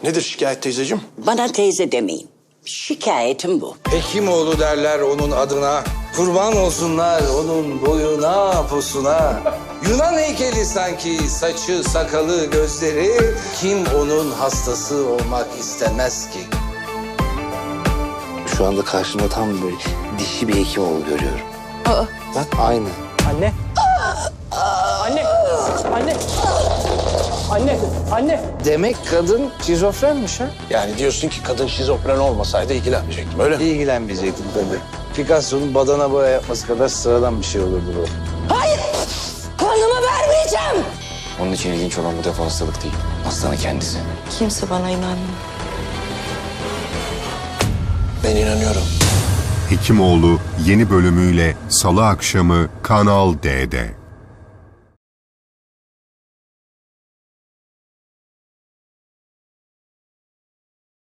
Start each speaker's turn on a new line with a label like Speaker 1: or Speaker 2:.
Speaker 1: Nedir şikayet teyzeciğim?
Speaker 2: Bana teyze demeyin. Şikayetim bu.
Speaker 3: Hekimoğlu derler onun adına. Kurban olsunlar onun boyuna, posuna. Yunan heykeli sanki, saçı, sakalı, gözleri. Kim onun hastası olmak istemez ki?
Speaker 4: Şu anda karşımda tam böyle dişi bir Hekimoğlu görüyorum. Bak aynı.
Speaker 5: Anne. Anne. Anne. Anne. Anne.
Speaker 3: Demek kadın şizofrenmiş ha?
Speaker 1: Yani diyorsun ki kadın şizofren olmasaydı ilgilenmeyecektim öyle mi?
Speaker 3: İlgilenmeyecektim tabii. Picasso'nun badana boya yapması kadar sıradan bir şey olurdu bu.
Speaker 2: Hayır! Kanımı vermeyeceğim!
Speaker 4: Onun için ilginç olan bu defa hastalık değil. Hastanın kendisi.
Speaker 6: Kimse bana inanmıyor.
Speaker 1: Ben inanıyorum.
Speaker 7: Hekimoğlu yeni bölümüyle Salı akşamı Kanal D'de.